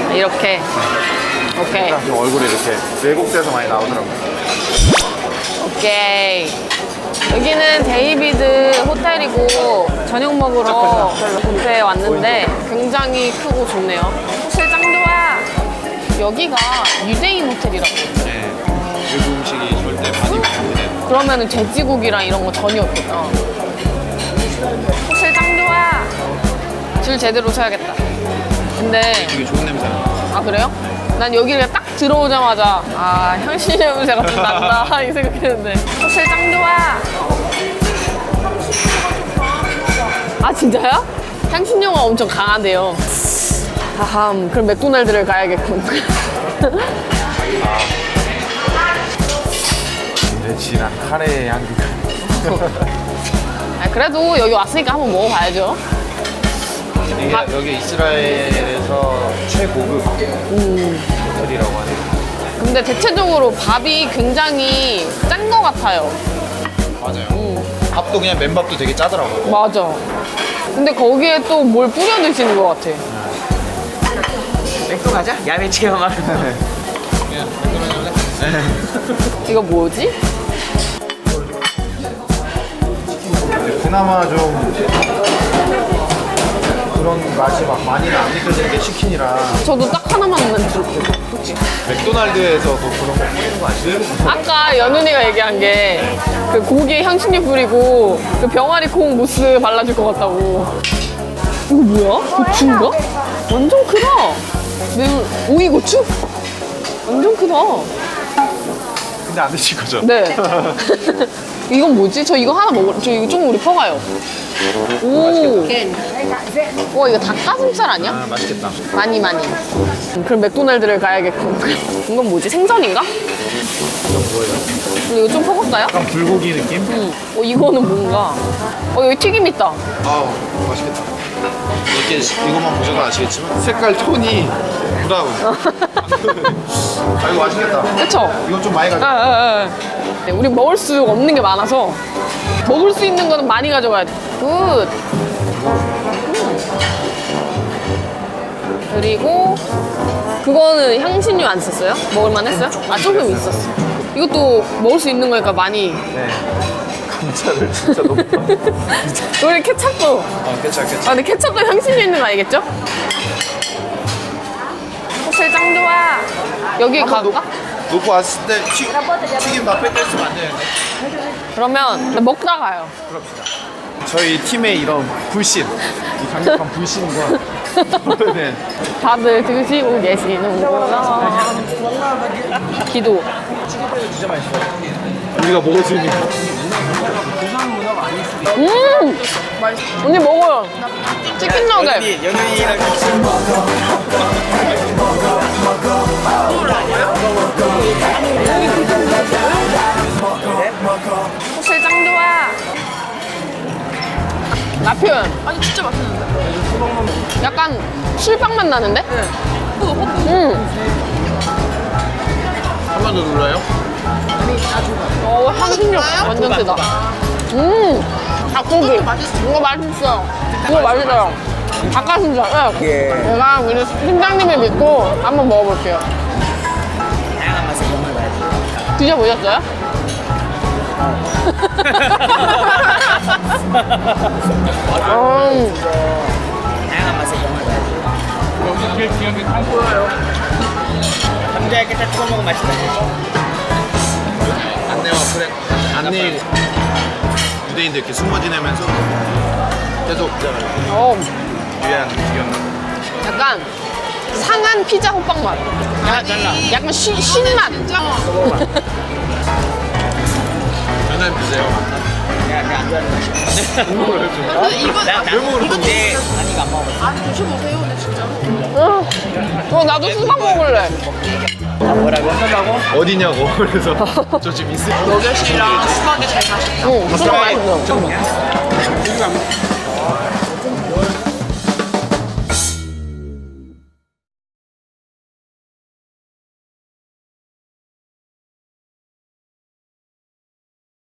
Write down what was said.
이렇게. 오케이. 얼굴이 이렇게 왜곡돼서 많이 나오더라고요. 오케이. 여기는 데이비드 호텔이고 저녁 먹으러 뷔페에 왔는데 굉장히 크고 좋네요. 호텔 짱 좋아. 여기가 유대인 호텔이라고. 네. 외국 음식이 절대 많이 먹는데. 그러면은 돼지고기랑 이런 거 전혀 없겠다. 호텔 짱 좋아. 줄 제대로 서야겠다. 근데 되게 좋은 냄새나. 아 그래요? 난 여기를 딱 들어오자마자 아 향신 냄새가 좀 난다 이 생각했는데 호텔 짱 좋아. 아 진짜요? 향신료가 엄청 강하대요. 하함 그럼 맥도날드를 가야겠군. 이제 진한 카레의 향기가. 아, 그래도 여기 왔으니까 한번 먹어봐야죠. 여기 이스라엘에서 최고급 호텔이라고 하네요. 근데 대체적으로 밥이 굉장히 짠 거 같아요. 맞아요. 밥도 그냥 맨밥도 되게 짜더라고요. 맞아. 근데 거기에 또 뭘 뿌려 드시는 것 같아. 맥도 가자. 야외 체험하러. 이거 뭐지? 그나마 좀 그런 맛이 막 많이는 안 느껴지는 게 치킨이라. 저도 딱 하나만 들었어요. 맥도날드에서 뭐 그런 거 뿌리는 거 아시죠? 아까 연은이가 얘기한 게 그 고기에 향신료 뿌리고 그 병아리 콩 무스 발라줄 것 같다고. 이거 뭐야? 고추인가? 완전 크다. 매운 오이고추? 완전 크다. 근데 안 드실 거죠? 네. 이건 뭐지? 저 이거 하나 먹을. 저 이거 좀 우리 퍼가요. 오. 와 이거 닭가슴살 아니야? 아, 맛있겠다. 많이. 그럼 맥도날드를 가야겠군. 이건 뭐지? 생선인가? 이건 뭐예요? 근데 이거 좀 퍼갈까요? 약간 불고기 느낌? 이거는 뭔가. 여기 튀김 있다. 아우, 맛있겠다. 이렇게 이것만 보셔도 아시겠지만 색깔 톤이 브라운. 아, 이거 맛있겠다. 그쵸? 이건 좀 많이 가져. 네, 우리 먹을 수 없는 게 많아서 먹을 수 있는 거는 많이 가져가야 돼. 굿. 그리고 그거는 향신료 안 썼어요? 먹을만 했어요? 아 조금 있었어. 이것도 먹을 수 있는 거니까 많이. 네. 감자를 진짜 너무. 우리 케찹도. 괜찮아. 아 근데 케찹도 향신료 있는 거 알겠죠? 호텔 짱 좋아. 여기 갈까? 놓고 왔을 때 튀김 다 뺏겼으면 안 되는데. 그러면 먹다 가요. 그럽시다. 저희 팀의 이런 불신, 이 강력한 불신과 네. 다들 드시고 계시는구나. 기도. 우리가 먹을 수 있는 언니 먹어요. 치킨 너겟. 연예인이랑 같이 호텔 짱 좋아. 라편. 아니 진짜 맛있는데. 약간 술빵 맛 나는데? 한 번 더 눌러요? 향신료 완전 세다. 닭고기. 이거 맛있어. 이거 맛있어요. 닭가슴살. 네. 제가 우리 팀장님을 믿고 한번 먹어볼게요. 다양한 맛의 경험을 봐야지. 드셔보셨어요? 다양한 맛의 경험을 봐야지. 감자 이렇게 딱 찍어 먹으면 맛있다. 안내와 프레 안내 유대인들 이렇게 숨어 지내면서 계속 유해한 음식이었나? 약간 상한 피자 호빵 맛. 약간 신맛. 전화 주세요. 내가 안 좋아하는 맛이야. 이건데 아니가 안 먹어. 나도 수박 먹을래. 뭐라고? 어디냐고 그래서 저 지금 있을. 너겟이랑 수박이 제일 맛있다. 수박 맛있어.